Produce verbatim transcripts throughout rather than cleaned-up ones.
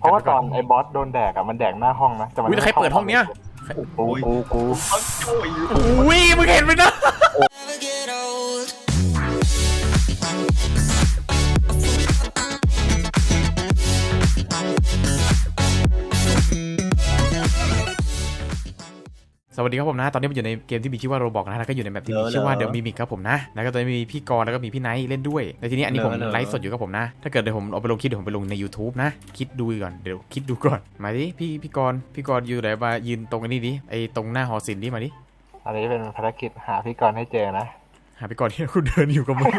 ราะว่าตอนไอ้บอสโดนแดกอะมันแดกหน้าห้องนะแต่มันอุ้ยใครเปิดห้องเนี้ยกูกูกูอุ้ยมึงเห็นไหมนะสวัสดีครับผมนะตอนนี้มันอยู่ในเกมที่มีชื่อว่าโรบอกนะแล้วก็อยู่ในแบบที่มีชื่อว่าเดอะมิมิกครับผมนะแล้วก็ตอนนี้มีพี่กรณ์แล้วก็มีพี่ไนท์เล่นด้วยในทีนี้อันนี้ผมไลฟ์สดอยู่กับผมนะถ้าเกิดเดี๋ยวผมเอาไปลงคลิปเดี๋ยวผมไปลงใน YouTube นะคิดดูก่อนเดี๋ยวคิดดูก่อนมาดิพี่พี่กรณ์พี่กรณ์อยู่ไหนมายืนตรงนี้ดิไอตรงหน้าหอศิลป์ดิมาดิอันนี้เป็นภารกิจหาพี่กรณ์ให้เจอนะหาพี่กรณ์ที่กูเดินอยู่กับมึง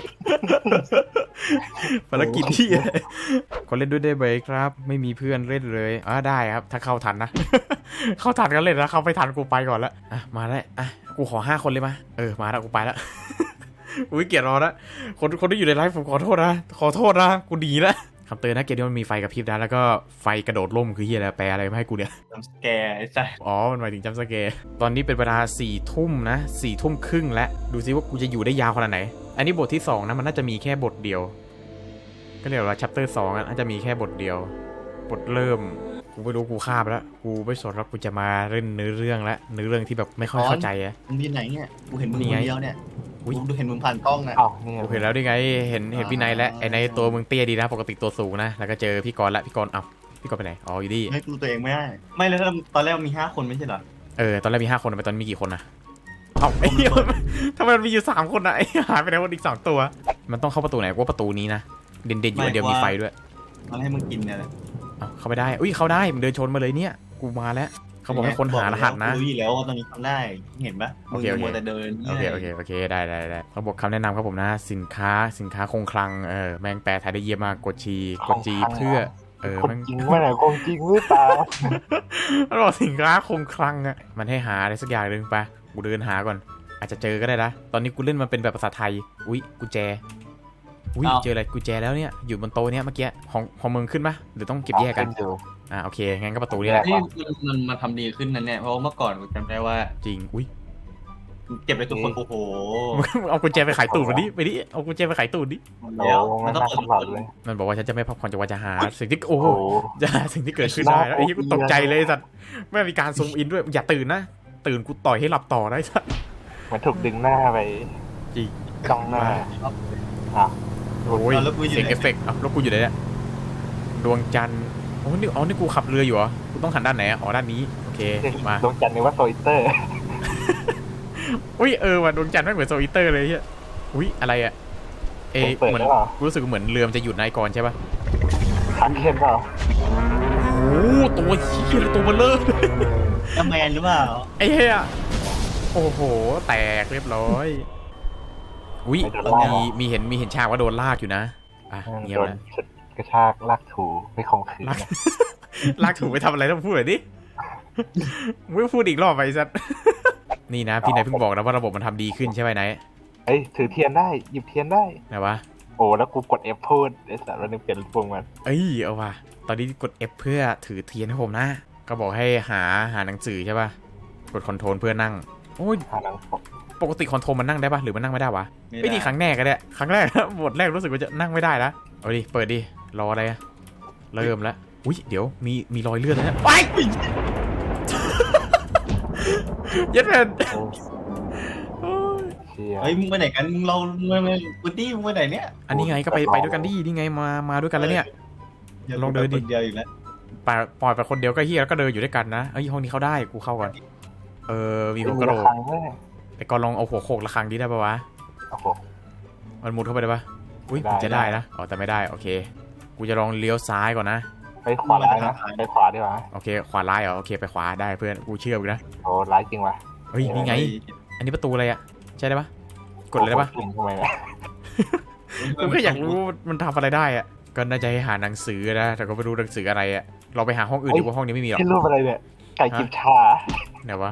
ภารกิจที่คนเล่นด้วยได้ไหมครับไม่มีเพื่อนเล่นเลยอ่าได้ครับถ้าเข้าทันนะเข้าทันกันเล่นนะเข้าไปทันกูไปก่อนละอ่ะมาแล้วอ่ะกูขอห้าคนเลยมาเออมาแล้วกูไปแล้วอุ้ยเกลียดรอนะคนคนที่อยู่ในไลฟ์ผมขอโทษนะขอโทษนะกูดีแล้วคำเตือนนะเกมนี้มันมีไฟกระพริบนะแล้วก็ไฟกระโดดล่มคือเฮียอะไรแปลอะไรมาให้กูเนี่ยจัมสแกร์ไอ้สัสอ๋อมันหมายถึงจัมสแกร์ตอนนี้เป็นเวลาสี่ทุ่มนะสี่ทุ่มครึ่งแล้วดูซิว่ากูจะอยู่ได้ยาวขนาดไหนอันนี้บทที่สองนะมันน่าจะมีแค่บทเดียวก็เรียกว่าชัปเตอร์สองน่าจะมีแค่บทเดียวบทเริ่มกูไม่รู้กูข้ามแล้วกูไม่สนแล้วกูจะมาเล่นเนื้อเรื่องแล้วเนื้อเรื่องที่แบบไม่ค่อยเข้าใจอะมึงที่ไหนเนี่ยกูเห็นมึงคนเดียวเนี่ยกูดูเห็นมึงผ่านกล้องนะอ้าวนี่กูเห็นแล้วดิไงเห็นเห็นพี่นายและไอ้ในตัวมึงเตี้ยดีนะปกติตัวสูงนะแล้วก็เจอพี่กรณ์ละพี่กรณ์อ้าวพี่กรณ์ไปไหนอ๋ออยู่ดีให้กูตัวเองไม่ได้ไม่แล้วตอนแรกมีห้าคนไม่ใช่เหรอเออตอนแรกมีห้าคนไปตอนนี้มีกี่คนนะเอ้าไอ้ทำไมมันมีอยู่สามคนนะไอ้หายไปไหนคนอีกสองตัวมันต้องเข้าประตูไหนกูว่าประตูนี้นะเด่นๆอยู่อันเดียวมีไฟด้วยมันให้มึงกินเนี่ยแหละเข้าไปได้อุ้ยเข้าได้มึงเดินชนมาเลยเนี่ยกูมาแล้วเขาบอกให้คนหารหัสนะรู้อยู่แล้วว่าตอนนี้ทำได้เห็นปะโอเคโอเคแต่เดินโอเคโอเคโอเคได้ได้ได้เขาบอกคำแนะนำครับผมนะสินค้าสินค้าคงคลังเออแมงแปลไทยได้เยี่ยมมากกดชีกดจีเพื่อเออคนจริงว่าไหนคนจริงหรือเปล่ามันบอกสินค้าคงคลังอ่ะมันให้หาอะไรสักอย่างหนึ่งไปกูเดินหาก่อนอาจจะเจอก็ได้นะตอนนี้กูเล่นมันเป็นแบบภาษาไทยอุ้ยกุญแจอุ้ยเจออะไรกุญแจแล้วเนี่ยอยู่บนโต๊ะเนี้ยเมื่อกี้ของของมึงขึ้นปะหรือต้องเก็บแยกกันอ่าโอเคงั้นก็ประตูนี่แหละนี่มันมาทำดีขึ้นนั่นแน่เพราะเมื่อก่อนกูจำได้ว่าจริงอุ้ยเก็บไปทุกคนโอ้โหเอากุญแจไปขายตูดมาดิไปดิเอากุญแจไปขายตูดดิแล้วมันต้องเปิดเลยมันบอกว่าฉันจะไม่พักผ่อนจนกว่าจะหาสิ่งที่โอ้จะหาสิ่งที่เกิดขึ้นได้แล้วไอ้ที่กูตกใจเลยสัตว์ไม่มีการซูมอินด้วยอย่าตื่นนะตื่นกูต่อยให้หลับต่อได้สัตว์มันถูกดึงหน้าไปจริงจ้องหน้าอ่ะโอ้ยเสียงเอฟเฟกต์อ่ะแล้วกูอยู่ไหนเนี่ยดวงจันทร์โอ้นี่อ๋อนี่กูขับเรืออยู่เหรอกูต้องหันด้านไหนอ๋อด้านนี้โอเคมาดวงจันทร์นึกว่าโซอิเตอร์อุ้ยเออว่ะดวงจันทร์ไม่เหมือนโซอิเตอร์เลยเฮ้ยอุ้ยอะไรอ่ะเอเหมือนกูรู้สึกเหมือนเรือมันจะหยุดนายกรใช่ป่ะทันเคนเปล่าโอ้ตัวเหี้ยตัวเบลเลอร์จัมแมนหรือเปล่าไอ้เหี้ยโอ้โหแตกเรียบร้อยอุ้ยมีมีเห็นมีเห็นฉากว่าโดนลากอยู่นะอ่ะเงี้ยนะกระชากลากถูไม่คงคืนลากถูไปทำอะไรต้องพูดหน่อยดิไม่พูดอีกรอบไปสัตว์นี่นะพี่นายเพิ่งบอกนะว่าระบบมันทำดีขึ้นใช่ไหมนายเอ้ยถือเทียนได้หยิบเทียนได้ไหนวะโอ้แล้วกูกด F พูดไอ้สัตว์มันนึงเปลี่ยนปุ่มมันเอ้ยเอาว่ะตอนนี้กด F เพื่อถือเทียนให้ผมนะก็บอกให้หาหาหนังสือใช่ป่ะกดคอนโทรลเพื่อนั่งโอ้ยปกติคอนโทรลมันนั่งได้ป่ะหรือมันนั่งไม่ได้วะไม่ดีครั้งแรกก็ได้ครั้งแรกบทแรกรู้สึกว่าจะนั่งไม่ได้แล้วเอาดิเปิดดิรออะไรอะเริ่มแล้วอุ้ยเดี๋ยวมีมีรอยเลือดแล้วไปยัดแผ่นเฮ้ยมึงไปไหนกันมึงเราไม่ไม่กูตี้มึงไปไหนเนี่ยอันนี้ไงก็ไปไปด้วยกันดินี่ไงมามาด้วยกันแล้วเนี่ยลองเดินดิเดียวอีกแล้วปล่อยปล่อยไปคนเดียวก็เฮียแล้วก็เดินอยู่ด้วยกันนะเอ้ยห้องนี้เข้าได้กูเข้าก่อนเออมีหัวกระโหลกไอ้กอนลองเอาหัวโขกระฆังดิได้ปะวะมันมุดเข้าไปได้ปะอุ้ยจะได้นะอ๋อแต่ไม่ได้โอเคกูจะลองเลี้ยวซ้ายก่อนนะไปขวาร้ายนะไปขวาดีกว่าโอเคขวาร้ายเหรอโอเคไปขวาได้เพื่อนกูเชื่อมึงนะโอ้ร้ายจริงว่ะเฮ้ยนี่ไงอันนี้ประตูอะไรอ่ะใช่ได้ปะกดเลยได้ปะทำไมล่ะกูแค่อยากรู้มันทำอะไรได้อ่ะก็น่าจะให้หาหนังสือนะแต่ก็ไม่รู้หนังสืออะไรอ่ะเราไปหาห้องอื่นดีกว่าห้องนี้ไม่มีหรอกที่รูปอะไรเนี่ยไก่จิบชาไหนวะ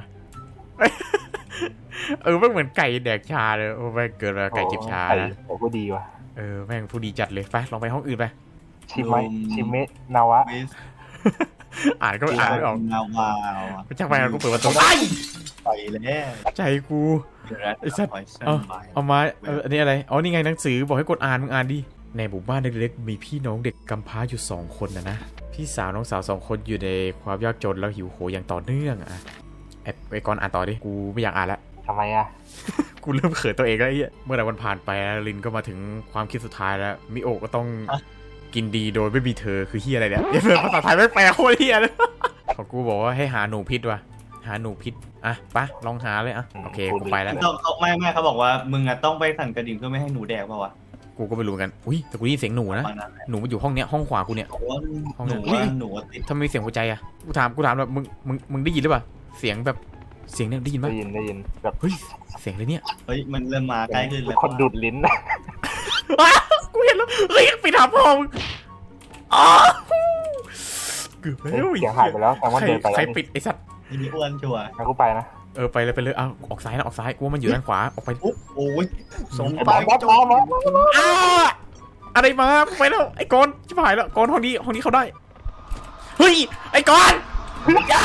เออไม่เหมือนไก่แดกชาเลยโอ้แม่งเกิดมาไก่จิบชานะโอ้ก็ดีว่ะเออแม่งผู้ดีจัดเลยไปลองไปห้องอื่นไปชิมไหมชิมเมะนาวะอ่านก็อ่านไม่ออกนาวะไม่ใช่ไปกูเปิดประตูไปไปเลยใจกูไอ้สัตว์เอาเอามาอันนี้อะไรอ๋อนี่ไงหนังสือบอกให้กดอ่านมึงอ่านดิในหมู่บ้านเล็กๆมีพี่น้องเด็กกำพร้าอยู่สองคนนะนะพี่สาวน้องสาวสองคนอยู่ในความยากจนแล้วหิวโหยอย่างต่อเนื่องอ่ะไอ้ไอ้กอนอ่านต่อดิกูไม่อยากอ่านแล้วทำไมอ่ะกูเริ่มเขินตัวเองแล้วไอ้เหี้ยเมื่อไหร่วันผ่านไปลินก็มาถึงความคิดสุดท้ายแล้วมิโอะก็ต้องกินดีโดยไม่มีเธอคือเฮียอะไรเนี่ยเพื่อนภาษาไทยไม่แปลโคตรเฮียเลยของกูบอกว่าให้หาหนูพิษว่ะหาหนูพิษอ่ะปะลองหาเลยอ่ะโอเคกูไปแล้วเขาเขาไม่ไม่เขาบอกว่ามึงอะต้องไปสั่นกระดิ่งเพื่อไม่ให้หนูแดกเปล่าวะกูก็ไม่รู้กันอุ้ยแต่กูได้ยินเสียงหนูนะประมาณนั้นแหละหนูมันอยู่ห้องเนี้ยห้องขวากูเนี่ยบอกว่าห้องหนั้นูนว่าหนูติดทำไมมีเสียงหัวใจอ่ะกูถามกูถามแบบมึงมึงมึงได้ยินหรือเปล่าเสียงแบบเสียงเนี่ยได้ยินปะได้ยินได้ยินแบบเฮ้ยเสียงเลยเนี่ยเฮ้ยมันเริ่มมาใกล้ขึ้นแล้วคนดูดลิ้นอ้ากูเห็นแล้วเฮ้ยไปถามพ่อมึงอ๋อเกือบแล้วเสียงหายไปแล้วแซมมอนใครเดินไปใครแล้วปิดไอ้สัตว์นี่มีอ้วนชัวร์งั้นกูไปนะเออไปเลยไปเลยเอาออกซ้ายนะออกซ้ายกูว่ามันอยู่ด้านขวาออกไปปุ๊บโอ้ยสมไอ้บปาอสบอสจุบอสบอสอ้าอะไรมากูไปแล้วไอ้กอนชิบหายแล้วกอนห้องนี้ห้องนี้เขาได้เฮ้ยไอ้กอนอย่า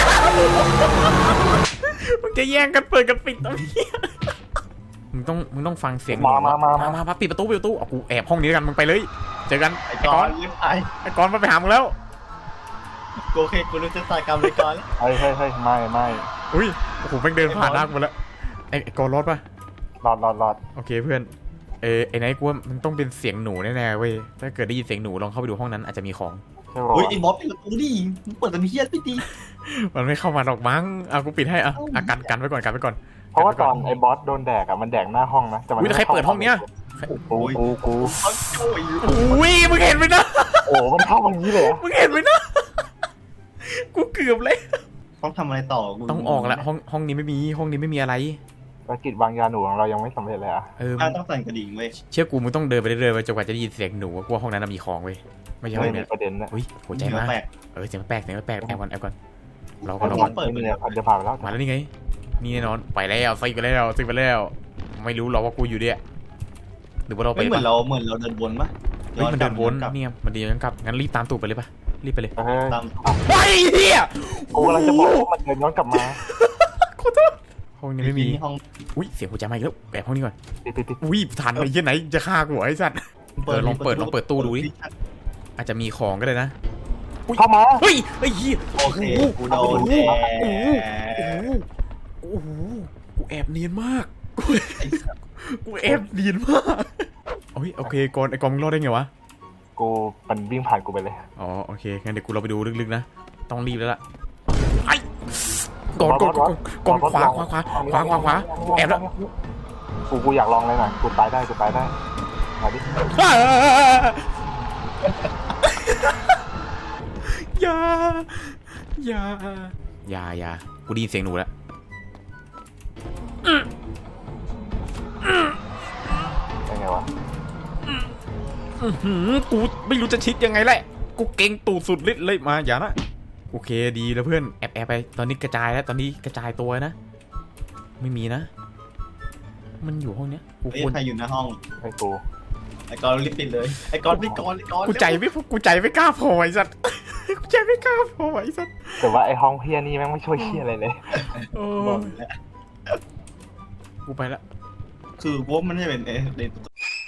มึงจะแย่งกันเปิดกันปิดตรงนี้มึงต้องมึงต้องฟังเสียงมามามามามามาปิดประตูปิดประตูเอากูแอบห้องนี้กันมึงไปเลยเจอกันไอ้ไอ้กกออน นรีบไปไอ้กอนมาไปหามึงแล้วโอเคกูรู้จะตายกรรมเลยก่อนเฮ้ยเฮ้ยเฮ้ยไม่ไม่อุ้ยโอ้โหแม่งเดินผ่านหน้ากูมาแล้วไอ้ไอ้กอนรอดปะรอดรอดรอดโอเคเพื่อนเออไอ้ไนท์กูว่ามันต้องเป็นเสียงหนูแน่ๆเว้ยถ้าเกิดได้ยินเสียงหนูลองเข้าไปดูห้องนั้นอาจจะมีของใช่ป่ะเฮ้ยไอ้บอสปิดประตูดิมึงเปิดแต่มีเฮียไม่ดีมันไม่เข้ามาหรอกมั้งเอากูปิดให้อ่ะอ่ะกันกันไว้ก่อนกันไว้ก่อนเพราะว่าตอนไอ้บอสโดนแดกอ่ะมันแดกหน้าห้องนะแต่มันอุ้ยแล้วใครเปิดห้องเนี้ยกูกูกูเขาโอ้ยอุ้ยมึงเห็นไหมนะโอ้มันเข้าอย่างนี้เลยอะมึงเห็นไหมนะกูเกือบเลยต้องทำอะไรต่อกูต้องออกละห้องห้องนี้ไม่มีห้องนี้ไม่มีอะไรภารกิจวางยาหนูของเรายังไม่สำเร็จเลยอ่ะเอออ่ะต้องสั่นกระดิ่งเว้ยเชื่อกูมึงต้องเดินไปเรื่อยๆไปจนกว่าจะได้ยินเสียงหนูกูว่าห้องนั้นนะมีของเว้ยไม่ใช่ห้ไม่องมีเนี้ยประเด็นนะอุ้ยหัวใจมาแปลกเออเสียงแปลกเสียงแปลกแอบก่อนแอบก่อนเราก็ไม่เรามีก่อนไม่มีเลยพันจะผ่านไปแล้วมาแล้วนี่ไงนี่แน่นอนไปแล้วซิกไปแล้วซิกไปแล้วไม่รู้หรอกว่ากูอยู่เนี่ยหรือว่าเราไปไม่เหมือนปะเราเหมือนเราเดินวนปะเฮ้ยมันเดินวนกลับเนี่ยมันเดินย้อนกลับงั้นรีบตามตูดไปเลยปะรีบไปเลยเฮ้ยตามไอ้เหี้ยกูกำลังจะบอกว่ามันเดินย้อนกลับมาขอโทษห้องนี้ไม่มีห้องอุ้ยเสียงหัวใจมาอีกแล้วแอบห้องนี้ก่อนปิดปิดปิดอุ้ยทันไอ้เหี้ยไหนจะฆ่ากูเหรอไอ้สัตว์ เออลองเปิดลองเปิดตู้ดูดิ อาจจะมีของก็ได้นะเข้ามาเฮ้ยไอ้เหี้ยโอเคกูโดนแดโอ้โหกโอ้โหโอ้โหกูแอบเนียนมากกูไอ้สัสกูแอบเนียนมากโอ้ยโอเคก่อนไอ้กองมึงรอดได้ไงวะกูมันวิ่งผ่านกูไปเลยอ๋อโอเคงั้นเดี๋ยวกูเราไปดูลึกๆนะต้องรีบแล้วล่ะไอ้ก่อนก่อนก่อนก่อนขวาขวาขวาขวาขวาขวาแอบแล้วกูกูอยากลองเลยหน่อยกูตายได้กูตายได้มาดิอย่าอย่าอย่าอย่ากูได้ยินเสียงหนูแล้วยังไงวะอื้อหือกูไม่รู้จะชิดยังไงแหละกูเก่งตูดสุดฤทธิ์เลยมาอย่านะโอเคดีแล้วเพื่อนแอบแอบไปตอนนี้กระจายแล้วตอนนี้กระจายตัวนะไม่มีนะ มันอยู่ห้องเนี้ยกูไอ้ควรใครอยู่หน้าห้องไอ้กูไอ้กอนรีบปิดเลยไอ้กอนไอ้กอนไอ้กอนกูใจไม่กูใจไม่กล้าพอไอ้สัตว์ กูใจไม่กล้าพอไอ้สัตว์แต่ว่าไอ้ห้องเฮียนี่แม่งไม่ช่วยเฮียอะไรเลยโอ้บอกยแล้วกูไปละคือพวกมันจะเป็นเอเดน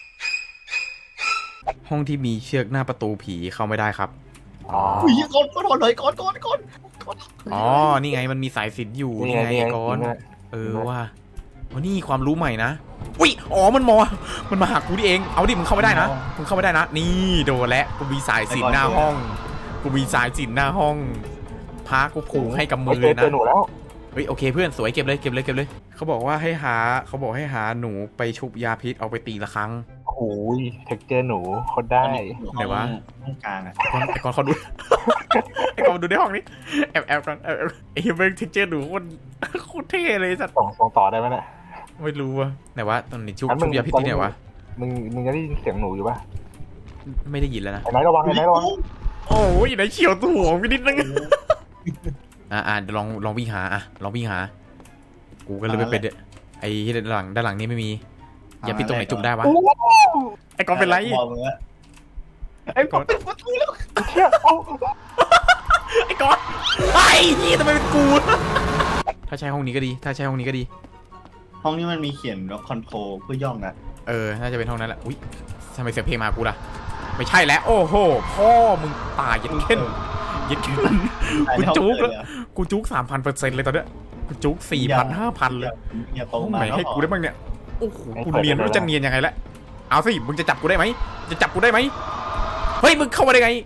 ห้องที่มีเชือกหน้าประตูผีเข้าไม่ได้ครับอ๋ออุ้ยกอนกอนเลยกอนกอนกอนกอนอ๋อนี่ไงมันมีสายสิญจน์อยู่นี่นี่ไงไงนี่ไงก่อนนี่ไงเออว่าอ๋อนี่ความรู้ใหม่นะอุ้ยอ๋อมันมอมันมาหากูดิเองเอาดิมึงเข้าไม่ได้นะมึงเข้าไม่ได้นะนี่โดนแล้วกูมีสายสิญจน์หน้าห้องกูมีสายสิญจน์หน้าห้องพากูผูกให้กับมืเฮ้ยอเจอนะเจอหนูแล้วเฮ้ยโอเคเพื่อนสวยเก็บเลยเก็บเลยเก็บเลยเขาบอกว่าให้หาเขาบอกให้หาหนูไปชุบยาพิษเอาไปตีละครั้งโอ้ยเท็กเจอร์หนูโคตรได้ไหนวะห้องกลางอ่ะก่อนไอ้ก่อนเขาดู ไอ้ก่อนดูในห้องนี้แอบแอบก่อนแอบแอบไอ้เบงเท็กเจอร์หนูโคตรโคตรเท่เลยสัตว์ส่งส่งต่อได้ไหมเนี่ยไม่รู้ว่ะไหนวะตอนนี้ชุบงั้นมึชุงบยาพิษที่ไหนวะมึงมึงจะได้ยินเสียงหนูอยู่ป่ะไม่ได้ยินแล้วนะไอ้ไหนระวังไอ้ไหนระวังโอ้ยไหนเฉียวตัวหัวไปนิดนึงอ่าอ่าลองลองวิ่งหาอ่ะลองวิ่งหากูก็เลยไปเป็นไอ้ที่ด้านหลังด้านหลังนี่ไม่มียาพิษตรงไหนจุบได้วะไอ้ก่อนเป็นไรบอกมึงว่าไอ้กอนปิดประตูแล้วเชี่ยเอ้าไอ้ก่อนไอ้ยี่ทำไมเป็นกูถ้าใช้ห้องนี้ก็ดี ถ้าใช้ห้องนี้ก็ดีห้องนี้มันมีเขียนว่าคอนโทรลเพื่อย่องนะเออ น่าจะเป็นห้องนั้นแหละ อุ้ยทำไมเสียงเพลงมากูล่ะไม่ใช่แล้วโอ้โหพ่อมึงตายยัดเข้นยัดเข้นกูจุกแล้วกูจุกสามพันเปอร์เซ็นต์เลยตอนเนี้ยกูจุกสี่พันห้าพันเลยอย่าโตห้องมาไหนให้กูได้บ้างเนี่ยโอ้โหกูเนียนไม่รู้จะเนียนยังไงละเอาสิมึงจะจับกูได้ไหมจะจับกูได้ไหมเฮ้ยมึงเข้ามาได้ไง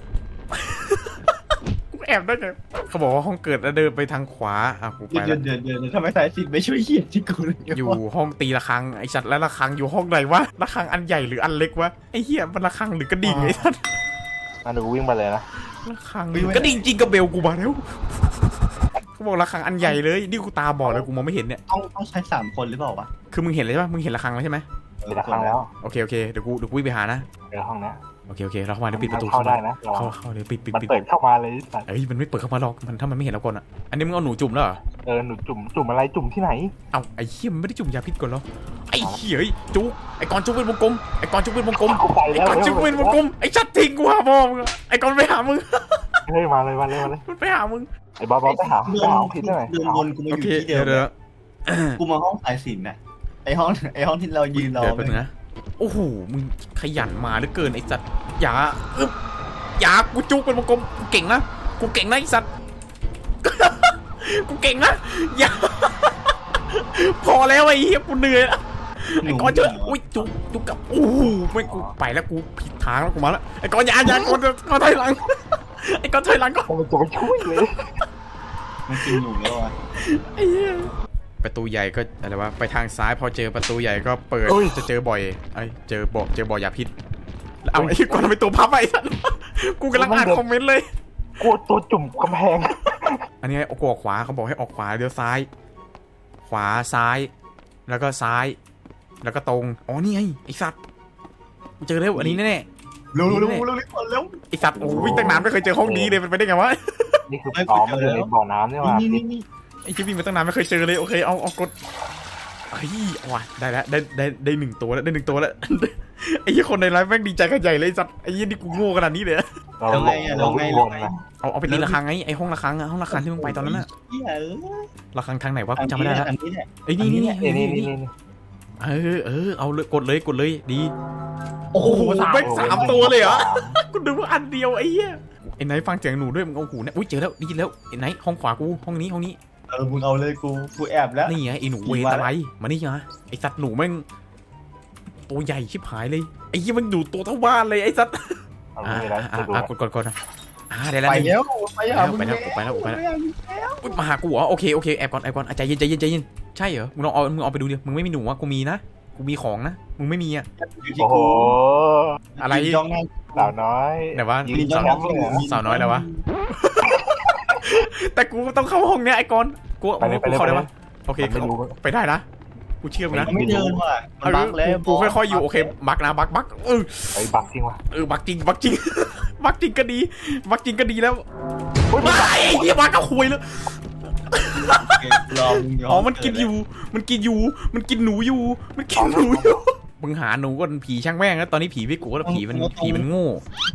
กูแอบได้ไงเขาบอกว่าห้องเกิดแล้วเดินไปทางขวาอ่ะกูไปเดิแล้วนเดินเดินทำไมสายสินไม่ช่วยเขียนที่กูเลยอยู่ห้องตีระฆังไอ้สัตว์แล้วระฆังอยู่ห้องไหนวะระฆังอันใหญ่หรืออันเล็กวะไอ้เหี้ยมันระฆังหรือกระดิ่งไอ้สัตว์งั้นเดี๋ยวกูวิ่งไปเลยนะระฆังกระดิ่งจริงกับเบลกูมาแล้วเขาบอกระฆังอันใหญ่เลยนี่กูตาบอดเลยกูมองไม่เห็นเนี่ยต้องต้องใช้สามคนหรือเปล่าวะคือมึงเห็นเลยใช่ปะมึงเห็นระฆังแล้วใช่ไหมมีละครั้งแล้วโอเคโอเคเดี๋ยวกูเดี๋ยวกูวิ่งไปหานะเดี๋ยวห้องเนี้ยโอเคโอเคเราเข้ามาเดี๋ยวปิดประตูเข้าได้นะเข้าเข้าเลยปิดปิดมันปิดเปิดเข้ามาเลยสัตว์เอ้ยมันไม่เปิดเข้ามาหรอกมันถ้ามันไม่เห็นเราก่อนอ่ะอันนี้มึงเอาหนูจุ่มแล้วเหรอเออหนูจุ่มจุ่มอะไรจุ่มที่ไหนเอาไอ้เหี้ยมันไม่ได้จุ่มยาพิษก่อนเหรอไอ้เหี้ยจุกไอ้กอนจุกเป็นวงกลมไอ้กอนจุกเป็นวงกลมกูไปไอ้แล้วกอนจุกเป็นวงกลมไอ้ชัดทิ้งกูหาพ่อมึงอะไอ้กอนไปหามึงเฮ้ยมาเลยมาเลยมาเลยมันไปหามึงไอ้บอสบอสไปหาไปหาผิดได้ไหมเดินวนกูมาโออยู่เคที่เดิเดี๋ยวมเดี๋ยวกูมาห้องสายสินน่ะไอห้องไอห้องที่เรายืนรอเดี๋ยวแป๊บนึงนะโอ้โหมึงขยันมาเหลือเกินไอ้สัตว์อย่าอึ๊บอย่ากูจุกเป็นวงกลมกูเก่งนะกูเก่งนะไอ้สัตว์ กูเก่งนะอย่า พอแล้วไอ้เหี้ยกูเหนื่อยละไอ้กอนเจออุ้ยจุกจุกกับโอ้โหไม่กูไปแล้วกูผิดทางแล้วกูมาแล้วไอ้กอนอย่าอย่ากอนกอนถอยหลัง ไอ้กอนถอยหลังก็มันจะไปช่วยเลยมันกินหนูแล้วอ่ะไอ้เหี้ยประตูใหญ่ก็อะไรวะไปทางซ้ายพอเจอประตูใหญ่ก็เปิดจะเจอบ่อยไอ้เจอบ่อเจอบ่อยาพิษแล้วเอาไอ้กอนเป็นตัวพับไอ้สัตว์กูกำลังอ่านคอมเมนต์เลยกูตัวจุ่มกำแพงอันนี้กูออกขวาเขาบอกให้ออกขวาเดี๋ยวซ้าย ขวาซ้าย แล้วก็ซ้าย แล้วก็ตรงอ๋อนี่ไงไอ้สัตว์กูเจอแล้วอันนี้แน่เร็วเร็วเร็วเร็วเร็วๆไอ้สัตว์โอ้วิ่งตั้งนานไม่เคยเจอห้องนี้เลยมันไปได้ไงวะนี่คืออ๋อมันอยู่ในบ่อน้ำนี่หว่านี่นี่นี่ไอ้ชิวิ่งมาตั้งนานไม่เคยเจอเลยโอเคเอาเอากดเฮ้ยเอาว่ะได้แล้วได้ได้ได้หนึ่งตัวแล้วได้หนึ่งตัวแล้ว ไอ้ยี่คนในไลฟ์แม่งดีใจกันใหญ่เลยไอ้สัตว์ไอ้ยี่นี่กูโง่ขนาดนี้เลยเราลงเราวิ่งวนนะเอาเอาไปตีระฆังไงไอ้ห้องระฆังอะห้องระฆังที่มึงไปตอนนั้นอะเหี้ยเอ้ยระฆังทางไหนวะกูจำไม่ได้แล้วอันนี้แหละไอ้ยนี่นี่นี่นี่นี่นี่นี่นี่เออเออเอาเลยกดเลยกดเลยดีโอ้โหแม่งสามตัวเลยเหรอกูดูว่าอันเดียวไอ้เหี้ยไอ้ไหนฟังเสียงหนูด้วยมึงเอาหูเนี่ยอุ้ยเจอแล้วดีแล้วไอ้ไหนห้องขวากูห้องนี้ห้องนี้เออมึงเอาเลยกูกูแอบแล้วนี่ไงไอ้หนูเวทอะไรมานี่มาไอ้สัตว์หนูแม่งตัวใหญ่ชิบหายเลยไอ้ยี่มันอยู่ตัวเท่าบ้านเลยไอ้สัตว์เอาอ่าไม่ได้อ่าดูอ่ากดกดกดนะอ่าได้แล้วไปแล้วไปหามึงไปแล้วไปแล้วไปแล้วอุ๊ยมาหากูเหรอโอเคโอเคแอบก่อนแอบก่อนอ่ะใจเย็นใจเย็นใจเย็นใช่เหรอมึงลองเอามึงเอาไปดูดิมึงไม่มีหนูอ่ะกูมีนะกูมีของนะมึงไม่มีอ่ะอยู่ที่โอ้โหกูอะไรจ้องหน้าสาวน้อยไหนวะยืนสาวแชมป์เลยเหรอสาวน้อยแล้ววะแต่กูต้องเข้าห้องเนี้ยไอ้กอนกูไปเลยไปกูเลยเข้าไปได้เลปะยโอเคไม่รู้ไปได้นะกูเชื่อมึงนะมันไม่เดินว่ะมันเอบัอกแล้วกูค่อยๆอยู่โอเคบักนะบักบักเออไอ้บักจริงว่ะเออบักจริงบักจริง บักจริงก็ดีบักจริงก็ดีแล้วโอ้ยไม่เฮียบักก็คุยแล้วรอมึงอ๋อมันกินอยู่มันกินอยู่มันกินหนูอยู่มันกินหนูอยู่มึงหาหนูก็ผีช่างแม่งแล้วตอนนี้ผีไม่กลัวแล้วผีมันผีมันโง่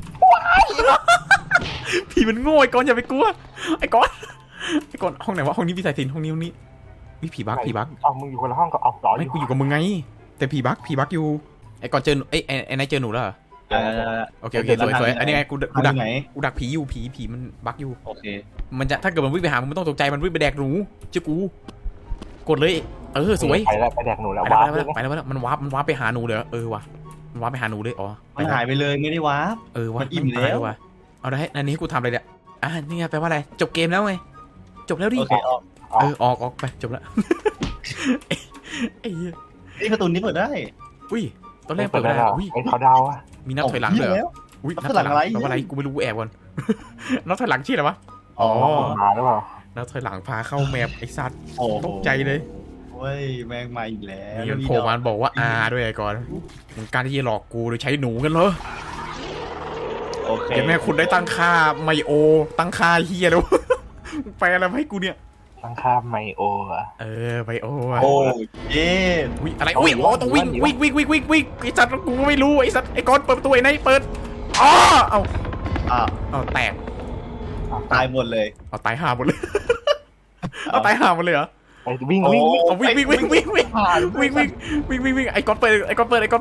ผีมันโง่ไอ้กอนอย่าไปกลัวไอ้กอนไอ้กอนห้องไหนวะห้องนี้พี่สายสินห้องนี้ห้องนี้วิผีบักผีบักเอามึงอยู่คนละห้องก็เอาต่ออไม่ยู่กูอยู่กับมึงไงแต่ผีบักผีบักอยู่ไอ้กอนเจอไอ้ไอ้ไอ้นายเจอหนูแล้วเหรอเออโอเคโอเคสวยสวยอันนี้ไงกูกูดัดักกไหนกูดักผีอยู่ผีผีมันบักอยู่โอเคมันจะถ้าเกิดมันวิ่งไปหามึงไม่ต้องตกใจมันวิ่งไปแดกหนูเจ้ากูกดเลยเออสวยไปแล้วไปแดกหนูแล้วไปว้าแล้ววไปแล้วไปแล้วมันวาร์ปมันวาร์ปไปหาหนูเลยเออว่ะมันวาร์ปไปหาหนูเลยอ๋อมันหายไปเลยไม่ได้วาร์ปเออว่ะมันอิ่มแล้วว่ะเอาได้อันนี้กูทำอะไรเนี่ยอ่ะนี่ไงแปลว่าอะไรจบเกมแล้วไงจบแล้วดิโอเคออกเออออกออกไปจบแล้วไอ้เหี้ยนี่ประตูนี้เปิดได้อุ้ยตอนแรกเปิเปิดดได้ไม่ได้แล้วอุ้ยไอ้เขาดาวอะมีนับถอยหลังเลยเหรออุ้ยนับถอยหลังแปลว่าอะไรกูไม่รู้แอบก่อนนับถอยหลังชื่ออะไรวะอ๋อมาหรือเปล่านับถอยหลังพาเข้าแมปไอ้สัตว์โอ้ตกใจเลยเว้ยแมงมาอีกแล้วนี่มันโผล่มาบอกว่าอาด้วยไอ้ก่อนมึงการที่จะหลอกกูโดยใช้หนูกันเหรอโอเคเห็นไหมคุณได้ตั้งค่าไมโอ ตั้งค่าเฮียแล้ว แปลอะไรมาให้กูเนี่ยตั้งค่าไมโออะเออไมโออะโอ้เย่อุ้ยอะไรอุ้ยโอ้ต้องวิ่งวิ่งวิ่งวิ่งวิ่งวิ่งไอ้สัตว์กูไม่รู้ไอ้สัตว์ไอ้ก้อนเปิดประตูไอ้ไหนเปิดอ๋อเอาอ่ะเอาแตกตายหมดเลยเอาตายห่าหมดเลย เอาตายห่าหมดเลยเหรอไปวิ่งวิ่งวิ่งเอาวิ่งวิ่งวิ่งวิ่งวิ่งวิ่งวิ่งวิ่งวิ่งวิ่งไอ้ก้อนเปิดไอ้ก้อนเปิดไอ้ก้อนเปิด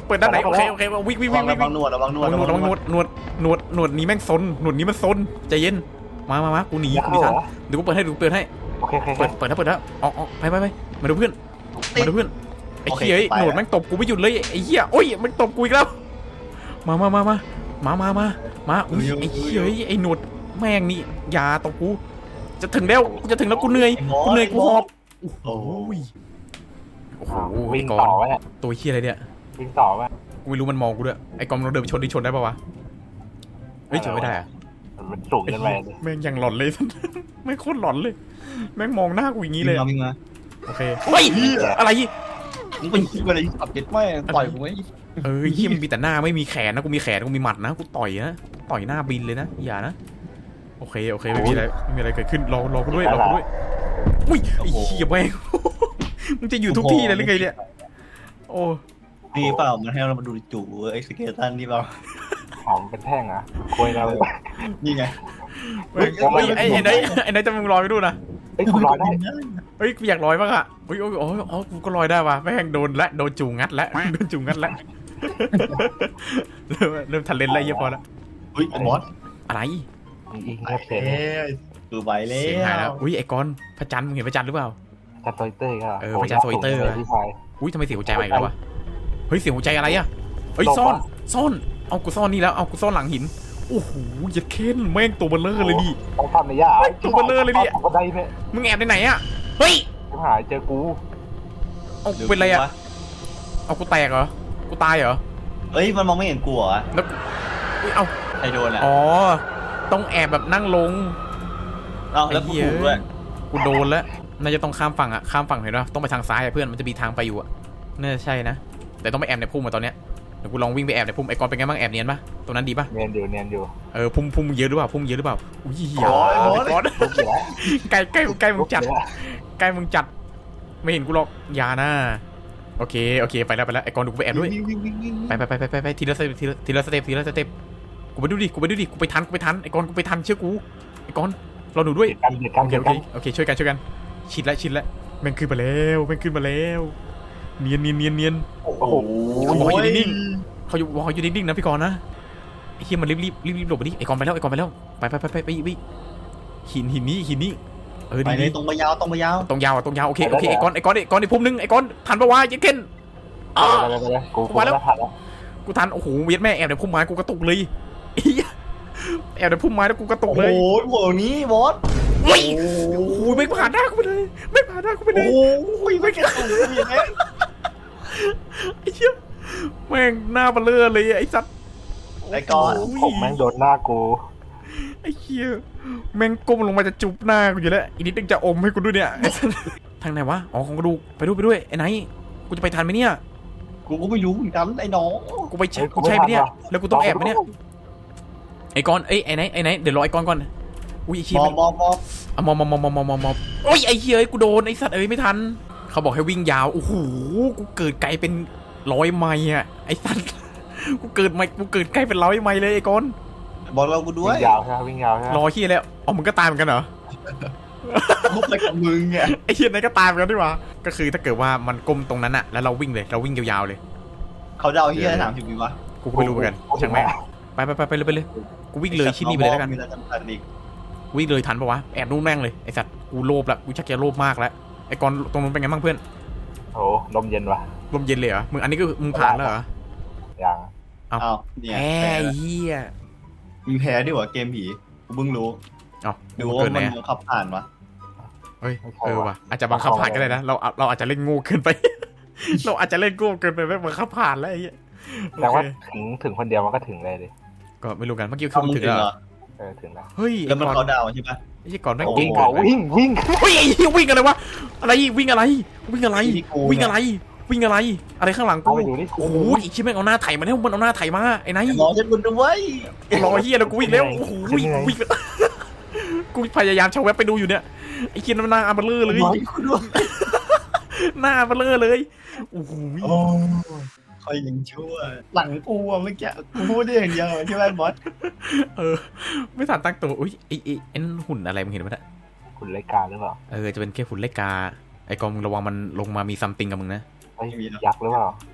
เปิดด้านไหนโอเคโอเควิ่งวิ่งระวัวิ่งงวิ่งระวังหนวดระวังหนวดระวังหนวดระวังหนวดหนวดหนวดหนวดนี้แม่งซนหนวดนี้มันซนใจเย็นมามามากูหนีกูหนีทันเดี๋ยวกูเปิดให้ดูเปิดให้โอเคโอเคเปิดเปิดแล้วเปิดแล้วออกออกไปไปไปมาดูเพื่อนมาดูเพื่อนไอ้เหี้ยหนวดแม่งตบกูไม่หยุดเลยไอ้เหี้ยโอ้ยมันตบกูอีกแล้วมามามามามามามามาอุ้ยไอ้เหี้ยไอ้หนวดแม่งนี่อย่าตบกูจะถึงแล้วจะถึงแล้วกูเหนื่อยกูเหนื่อยกูหอบโอ้ยโอ้โหวิ่งก่อต่อน ไว้อะตัวเหี้ยอะไรเนี่ยวิ่งต่อไว้กูไม่รู้มันมองกูด้วยไอ้กอมเราเดินไปชนดิชนได้ปะวะเฮ้ยชนไม่ได้อะมันสูงเกินไปเลยแม่งยังหลอนเลย แม่งโคตรหลอนเลย แม่งมองหน้ากูอย่างนี้เลยวิ่งมาโอเคเฮ้ยอะไรมึงเป็นอะไรขับเจ็ดไม่ปล่อยกูไว้เอ้ยเหี้ยมันมีแต่หน้าไม่มีแขนนะกูมีแขนกูมีหมัดนะกูต่อยนะต่อยหน้าบินเลยนะอย่านะโอเคโอเคไม่มีอะไรไม่มีอะไรเกิดขึ้นรอรอกูด้วยรอกูด้วยอุ้ยไอ้เหี้ยแม่ง มึงจะอยู่ทุกที่เลยหรือไงเนี่ยโอ้นี่เปล่ามันให้เรามาดูจู่ไอ้สเกลตันนี่เปล่าหอมเป็นแท่งอ่ะคุยเรานี่ไงเฮ้ยเฮ้ยไอ้ไอ้ไหนไอ้ไหนจะมึงลอยไปดูนะเฮ้ยคุณลอยได้เฮ้ยกูอยากลอยบ้างอะเฮ้ยโอ้ยโอ้ยอ๋อกูก็ลอยได้ว่ะแม่งโดนละโดนจูงงัดละโดนจูงงัดละเริ่มเริ่มทันเลนแล้วเยอะพอละเฮ้ยบอสอะไรยิงแค่เพลงคือไปแล้เสียงหายแล้ววอุ้ยไอ้กอนพระจันทร์มึงเห็นพระจันทร์หรือเปล่าจัดโซยเตอร์ก็เออพระจันทร์โซยเตอร์ที่ชายอุ้ยทำไมเสียงหัวใจมาอีกแล้ววะเฮ้ยเสียงหัวใจอะไรอะเฮ้ยซ่อนซ่อนเอากูซ่อนนี่แล้วเอากูซ่อนหลังหินโอ้โหยัดเค้นแม่งตัวเบลเลอร์เลยดิต้องทำในย่าตัวเบลอเลยเนี่ยก็ได้เนี่ยมึงแอบในไหนอะเฮ้ยหายเจอกูเอากูเป็นไรอะเอากูแตกเหรอกูตายเหรอเฮ้ยมันมองไม่เห็นกูเหรอแล้วอุ้ยเอาใครโดนอ่ะอ๋อต้องแอบแบบนั่งลงเอ้าแล้วกูถูกด้วยกูโดนแล้วน่าจะต้องข้ามฝั่งอะข้ามฝั่งเห็นปะต้องไปทางซ้ายอะเพื่อนมันจะมีทางไปอยู่อะน่าจะใช่นะแต่ต้องไปแอบในพุ่มมาตอนเนี้ยเดี๋ยวกูลองวิ่งไปแอบในพุ่มไอ้กอนเป็นไงบ้างแอบเนียนปะตรงนั้นดีปะเนียนอยู่เนียนอยู่เออพุ่มพุ่มเยอะหรือเปล่าพุ่มเยอะหรือเปล่าอุ้ยเหี้ยโอ้ยโอ้ยไอ้กอนลุกอยู่แล้วใกล้ใกล้ใกล้มึงจัดลุกอยู่แล้วใกล้มึงจัดไม่เห็นกูหรอกอยานะโอเคโอเคไปแล้วไปแล้วไอ้กอนดูกูไปแอบด้วยวิ่งวิ่งวิ่งวิ่งไปไปไปไปไปไปทีละสเต็ปทีละทีละสเต็ปทีละสเต็ปกูไปดูดิกูไปดูดิกูไปทันกูไปทันไอ้กอนกูไปทันเชื่อกูไอ้กอนเราหนูด้วยกันเดือดกันโอเคเดือดโอกัเคน โอเคช่วยกันช่วยกันชิดแล้วชิดแล้วแม่งขึ้นมาแล้วแม่งขึ้นมาแล้วเนียนเนียนเนียนเนียนโอ้โหเขาบอกให้อยู่นิ่ง เขาอยู่บอกเขาอยู่นิ่งๆนะพี่กรณ์นะไอ้เฮียมันรีบรีบรีบรีบหลบไปดิไอ้กรณ์ไปแล้วไอ้กรณ์ไปแล้วไปไปไปไปไปไปหินหินนี้หินนี้เออไปดีเลดียตรงไปยาวตรงไปยาวตรงยาวอะตรงยาวโอเคโอเคไอ้กรณ์ไอ้กรณ์ไอ้กรณ์ไอ้พุ่มนึงไอ้กรณ์ทันปะวะยัดเค้นอ้าไปเลยไปเลยกูกูแล้วผ่านแล้วกูทันโอ้โหเวียดแม่แอบในพุ่มไม้กูกระตุกเลยเฮียแอบในพุ่มไม้แล้วกูกระตุกโอ้เลยโหโหนี้บอสโอ้ยโอ้โหไม่ผ่านหน้ากูไปเลยไม่ผ่านหน้ากูไปเลโอ้ยโหไม่กระตุกเลยยังไงไอ้เหี้ยแม่งหน้าเบลอเลยไอ้สัตว์ไอ้ก้อนผมแม่งโดนหน้ากูไอ้เหี้ยแม่งก้มลงมาจะจุบหน้ากูอยู่แล้วอีกนิดนึงจะอมให้กูด้วยเนี่ยไอ้สัตว์ทางไหนวะอ๋อของกระดูกไปด้วยไปด้วยไอ้ไหนกูจะไปทันไหมเนี่ยกูก็ไม่รู้เหมือนกันไอ้น้องกูไปใช่กูใช่ไหมเนี่ยแล้วกูต้องแอบไหมเนี่ยไอ้กอนเอ้ยไอ้ไหนไอ้ไหนเดี๋ยวรอไอ้กอนก่อนอุ้ยไอ้เหี้ยมอแม่งงมองมองอะมอมมอมมอมมอมมอมมอมโอ้ยไอ้เหี้ยกูโดนไอ้สัตว์เอ้ยไม่ทันเขาบอกให้วิ่งยาวโอ้โหกูเกิดไกลเป็นร้อยไมล์อะไอ้สัตว์กูเกิดไมกูเกิดใกล้เป็นร้อยไมล์เลยไอ้กอนบอกเรากูด้ววิ่ยงยาวใช่ไหมวิ่งยาวใช่ไหมรอเฮียแล้วอ๋อมึงก็ตายเหมือนกันเหรอมุกไปกับมึงไงไอ้เฮียไหนก็ตายเหมือนกันดีกว่าก็คือถ้าเกิดว่ามันก้มตรงนั้นอะแล้วเราวิ่งเลยเราวิ่งยาวๆเลยเขาเดาเฮียสามสิบวิวะกูก็ไม่รู้เหมือนกันช่างแม่งไปไปไปไปเลยไปเลยกูวิ่งเลยชิ้นนี้ไปเลยแล้วกันมีอะไรจำกัดอีกวิ่งเลยทันปะวะแอบนู่นแม่งเลยไอ้สัตว์กูโลภละกูชักจะโลภมากแล้วไอ้กอนตรงนู้นเป็นไงบ้างเพื่อนโอ้ลมเย็นว่ะลมเย็นเลยเหรอมึงอันนี้ก็มึงผ่านแล้วเหรออย่างเอาอ้าวเนี่ยแหแพ้มเฮียมีแพ้ด้วยวะเกมผีกูเพิ่งรู้เอ้าดูดูว่าเกินไหนมันอะขับผ่านวะเฮ้ยเออว่ะอาจจะบังคับผ่านก็ได้นะเราเราอาจจะเล่นโง่เกินไป เราอาจจะเล่นโง่เกินไปไม่บังคับผ่านแล้วไอ้เหี้ยแต่โอว่าเคถึงถึงคนเดียวมันก็ถึงเลยดิก็ไม่รู้กันเมื่อกี้คือเข้ามึงมึงถึงถึงแล้วเหเหรรออเออถึงแล้วเฮ้ยแล้วมันไอ้เขาก่อนดาวใช่ปะไอ้เหี้ยก่อนแม่งโอ้เก่วิ่งงเกิเอานไปวิ่งวิ่งเฮ้ยไอ้เหี้ยวิ่งอะไรวะอะไรวิ่งอะไรวิ่งอะไรที่กูวิ่งอะไรวิ่งอะไรอะไรข้างหลังเอากูไปดูดิโอ้โหอีกชิ้นแม่งเอาหน้าไถมาแล้วมันเอาหน้าไถมาไอ้ไหนรอฉันบุญด้วยรอเหี้ยแล้วกูวิ่งแล้วโอ้โหวิ่งวิ่งกูพยายามชาวเว็บไปดูอยู่เนี่ยไอ้ชิ้นมันหน้าอัมเบลอเลยรอกูด้วยหน้าอัมเบลอเลยโอ้โหโอ้คอยยังชั่วหลังกูอะเมื่อกี้กูพูดได้อย่างเดียวใช่ไหมบอสเออไม่ทันตั้งตัวอุ้ยไอ้ไอ้ไอ้นั่นหุ่นอะไรมึงเห็นไหมเนี่ยคุณรายกาหรือเปล่าเออจะเป็นแค่หุ่นเล็กกาไอ้กองมึงระวังมันลงมามีซัมติงกับมึงนะไอ้ยักษ์หรือเปล่า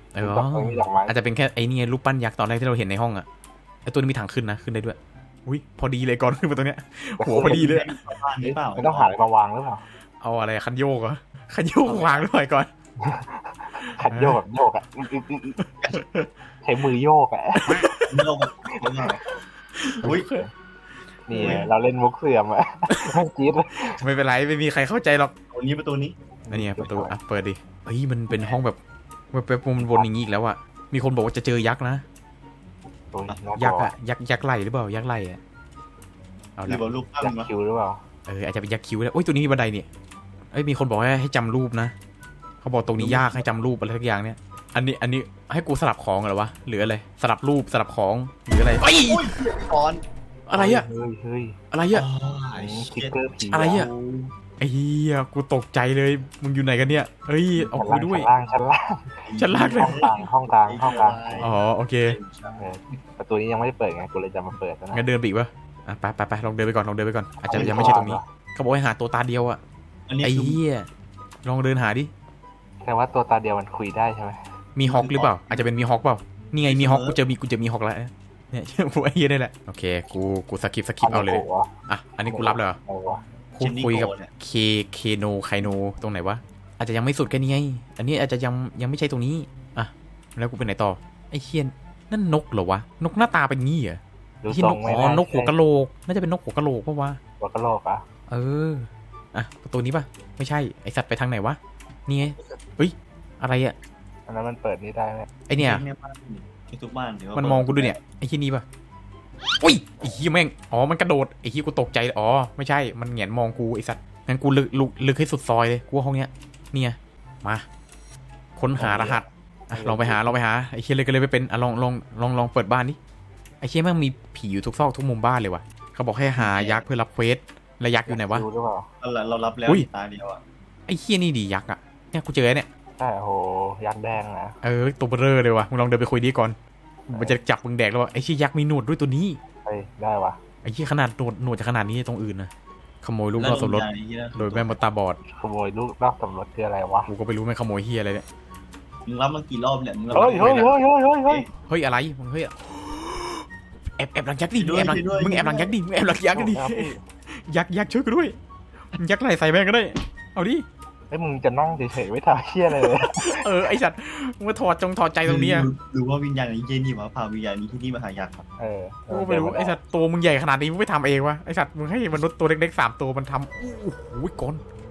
เออดอกไม้ดอกไม้อาจจะเป็นแค่ไอ้นี่ไงรูปปั้นยักษ์ตอนแรกที่เราเห็นในห้องอะไอ้ตัวนี้มีทางขึ้นนะขึ้นได้ด้วยอุ้ยพอดีเลยก่อนขึ้นมาตรงเนี้ยหัวพอดีเลยบ้านหรือเปล่าไม่ต้องหาอะไรมาวางหรือเปล่าเอาอะไรคันโยกเหรอคันโยกวางด้วยก่อนขัดโยกแบบโยกอ่ะอึ๊กอึ๊กอึ๊กอึ๊กใช้มือโยกอ่ะโลกมันอุ้ยนี่เราเล่นมุกเสื่อมอ่ะไม่จี๊ดเลยไม่เป็นไรไม่มีใครเข้าใจหรอกตัวนี้ประตูนี้อันนี้ประตูอ่ะเปิดดิเฮ้ยมันเป็นห้องแบบแบบมันวนอย่างงี้อีกแล้วอะมีคนบอกว่าจะเจอยักษ์นะตัวนี้น่ากยักลัษ์วอะยักษ์ยักษ์ไหลหรือเปล่ายักษ์ไหลอะเอาหรืละอว่าลูกปั้นยักวะษ์คิวหรือเปล่าเอออาจจะเป็นยักษ์คิ้วแล้วโอ้ยตัวนี้มีบันไดเนี่ยเอ้ยมีคนบอกให้ให้จำรูปนะเขาบอกตรงนี้ยากให้จำรูปอะไรสักอย่างเนี่ยอันนี้อันนี้ให้กูสลับของเหรอวะหรืออะไรสลับรูปสลับของหรืออะไรเอ้ยอุ้ยก้อนอะไรอะเฮ้ยเฮ้ยอะไรอะสติ๊กเกอร์ผีอะไรอะ ไอ้เหี้ยกูตกใจเลยมึงอยู่ไหนกันเนี่ยเฮ้ยเอากูด้วยชั้นล่างชั้นล่างชั้นล่างเลยห้องกลางห้องกลางห้องกลางอ๋อโอเคเออประตูนี้ยังไม่ได้เปิดไงกูเลยจะมาเปิดนะงั้นเดินไปอีกปะอ่ะไปไปไปลองเดินไปก่อนลองเดินไปก่อนอาจจะยังไม่ใช่ตรงนี้เขาบอกให้หาตัวตาเดียวอะอันนี้ไอ้คือเหี้ยลองเดินหาดิแต่ว่าตัวตาเดียวมันคุยได้ใช่ไหมมีฮอกหรือเปล่าอาจจะเป็นมีฮอกเปล่านี่ไงมีฮอกกูเจอมีกูเจอมีฮอกแล้วเนี่ย กูไอ้เหี้ยได้แหละโอเคกูกูสกิปสกิปเอาเลยอ่ะอันนี้กูรับเลยเหรอเอาวะพูดคุยกับเคเคโนไคโนตรงไหนวะอาจจะยังไม่สุดแค่นี้ไงอันนี้อาจจะยังยังไม่ใช่ตรงนี้อ่ะแล้วกูไปไหนต่อไอ้เหี้ยนั่นนกเหรอวะนกหน้าตาเป็นงี้เหรอดูที่ทรนงกไม่อ๋อได้นกหัวกะโหลกน่าจะเป็นนกหัวกะโหลกปะวะหัวกะโหลกอ่ะเอออ่ะประตูนี้ปะไม่ใช่ไอสัตว์ไปทางไหนวะนี่ไงเฮ้ยอะไรอ่ะอันนั้นมันเปิดนี่ได้ไหมไอเนี่ยบ้านไอ้ทุกบ้านเดี๋ยวมันมองกูด้วยเนี่ยไอ้ที่นี่ปะอุ้ยไอ้ที่แม่งอ๋อมันกระโดดไอ้ที่กูตกใจอ๋อไม่ใช่มันแหงนมองกูไอสัตว์งั้นกูลึกลึกลึกให้สุดซอยเลยกูว่าห้องเนี้ยนี่ไงมาค้นหารหัสอ่ะลองไปหาลองไปหาไอ้เชี่ยเลยก็เลยไปเป็นอ่ะลองลองลองลองเปิดบ้านดิไอ้เชี่ยแม่งมีผีอยู่ทุกซอกทุกมุมบ้านเลยวะเขาบอกให้หายักษ์เพื่อรับเควสแล้วยักษ์อยู่ไหนวะดูหรือเปล่าเราเรารับแล้วอุ้ยตาเดียวอ่ะไอ้เชี่ยนี่ดียักษ์อ่ะเนี่ยกูเจอเนี่ยใช่โอ้โหยักษ์แดงนะเออตัวเบลอเลยวะมึงลองเดินไปคุยดีก่อนมันจะจับมึงแดกแล้ววะไอ้เชี่ยยักษ์มีหนวดด้วยตัวนี้เฮ้ยได้วะไอ้เชี่ยขนาดหนวดหนวดจะขนาดนี้ตรงอื่นนะขโมยลูกนอกสมรสโดยแม่มดตาบอดขโมยลูกนอกสมรสคืออะไรวะกูก็ไม่รู้แม่งขโมยเฮียอะไรเนี่ยมึงรับมากี่รอบเนี่ยมึงรับเฮ้ยเฮ้ยเฮ้ยเฮ้ยเฮ้ยเฮ้ยเฮ้ยอะไรมึงเฮ้ยแอบแอบหลังยักษ์ดิมึงแอบหลังมึงแอบหลังยักษ์ดิมึงแอบหลังยักษ์ดิยักษ์ยักษ์ช่วยกูด้วยยักษ์ไหลใส่แม่งก็ได้เอาดิเฮ้ยมึงจะนั่งเฉยๆไม่ทำเชี่ยเลยเออไอสัตว์มึงมาถอดจงถอดใจตรงนี้อะหรือว่าวิญญาณนี้เจนี่วะพาวิญญาณนี้ที่นี่มาหายักษ์ครับเออกูไม่รู้ไอสัตว์ตัวมึงใหญ่ขนาดนี้มึงไม่ทำเองวะไอสัตว์มึงให้มนุษย์ตัวเล็กๆสามตัวมันทำโอ้โหก้น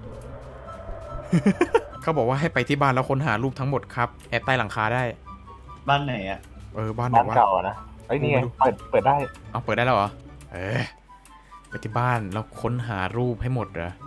เขาบอกว่าให้ไปที่บ้านแล้วค้นหารูปทั้งหมดครับแอบใต้หลังคาได้บ้านไหนอ่ะเออบ้านไหนบ้านวะเก่านะเฮ้ยนี่ไงเปิดเปิดได้เอาเปิดได้แล้วเหรอเออไปที่บ้านแล้วค้นหารูปให้หมดเหรอ